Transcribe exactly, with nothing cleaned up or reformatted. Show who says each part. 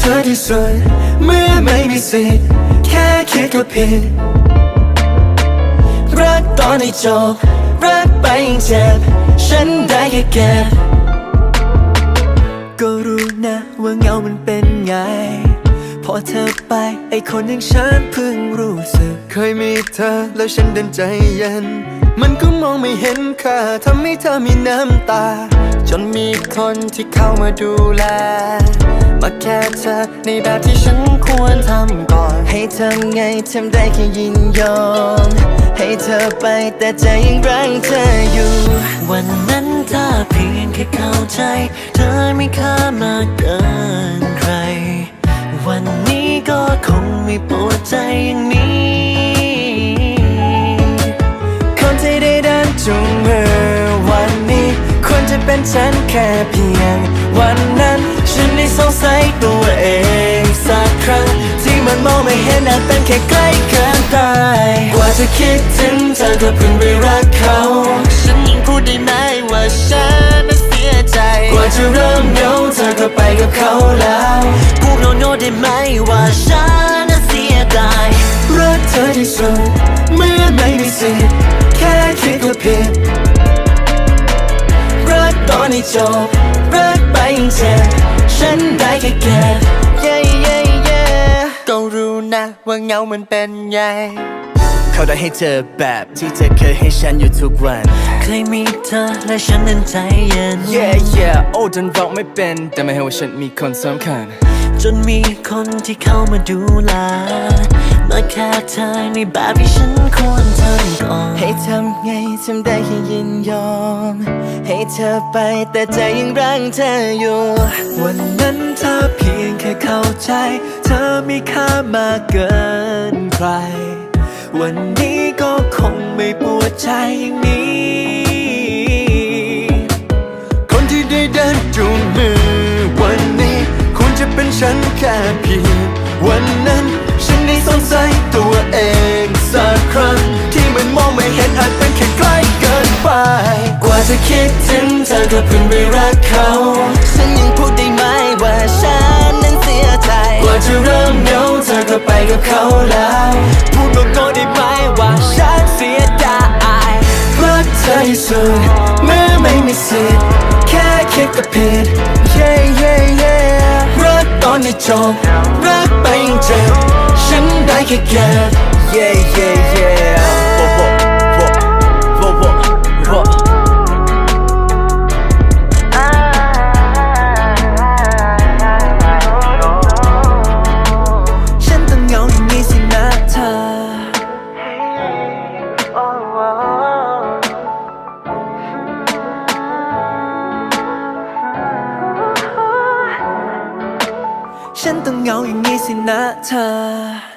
Speaker 1: ธอที่สุดเมื่อไม่มีสิทธิ์แค่คิดก็ผิดรักตอนให้จบรักไปยังเจ็บฉันได้แค่เก็บก็รู้นะว่าเงามันเป็นไงพอเธอไปไอคนอย่างฉันเพิ่งรู้สึกเคยมีเธอแล้วฉันเดินใจเย็นมันก็มองไม่เห็นค่าทำให้เธอมีน้ำตาจนมีคนที่เข้ามาดูแลมาแค่เธอในแบบที่ฉันควรทำก่อนให้ทำไงทำได้แค่ยินยอมให้เธอไปแต่ใจยังรักเธออยู่วันนั้นถ้าเพียงแค่เข้าใจเธอไม่ค่ามากเกินใครวันนี้ก็คงไม่ปวดใจอย่างนี้คนที่ได้เดินจูงมือวันนี้ควรจะเป็นฉันแค่เพียงวันนั้นฉันได้สงสัยตัวเองสักครั้งที่มันมองไม่เห็นอาจเป็นแค่ใกล้เกินไปกว่าจะคิดถึงเธอก็เพิ่งไปรักเขาฉันยังพูดได้ไหมว่าฉันนั้นเสียใจกว่าจะเริ่มเหงาเธอก็ไปกับเขาแล้วพูดโน้ตได้ไหมว่าฉันนั้นเสียดายรักเธอที่สุดเมื่อไม่มีสิทธิ์แค่คิดก็ผิดรักตอนให้จบรักไปยังเจ็บฉันได้แค่เก็บ yeah yeah yeah ก็รู้นะว่าเงามันเป็นไงเขาได้ให้เจอแบบที่เธอเคยให้ฉันอยู่ทุกวันเคยมีเธอและฉันนั้นใจเย็น yeah yeah โอ้จนบอกไม่เป็นแต่ไม่ให้ว่าฉันมีคนสำคัญจนมีคนที่เข้ามาดูแลมาแค่เธอในแบบที่ฉันควรทำก่อนให้ทำไงทำได้แค่ยินยอมให้เธอไปแต่ใจยังรักเธออยู่วันนั้นเธอเพียงแค่เข้าใจเธอมีค่ามากเกินใครวันนี้ก็คงไม่ปวดใจอย่างนี้คนที่ได้เดินจูงมือวันนี้ควรจะเป็นฉันแค่เพียงวันนั้นฉันได้สงสัยตัวเองสักครั้งที่มันมองไม่เห็นอาจเป็นแค่ใกล้เกินไปกว่าจะคิดถึงเธอก็เพิ่งไปรักเขาฉันยังพูดได้ไหมว่าฉันนั้นเสียใจกว่าจะเริ่มเหงาเธอก็ไปกับเขาแล้วพูดตรงๆได้ไหมว่าฉันเสียดายรักเธอที่สุดเมื่อไม่มีสิทธิ์แค่คิดก็ผิด yeah yeah yeah รักตอนให้จบรักไปยังเจ็บฉันได้แค่เก็บ yeah yeah yeah ฉันต้องเหงาอย่างนี้สินะเธอฉันต้องเหงาอย่างนี้สินะเธอ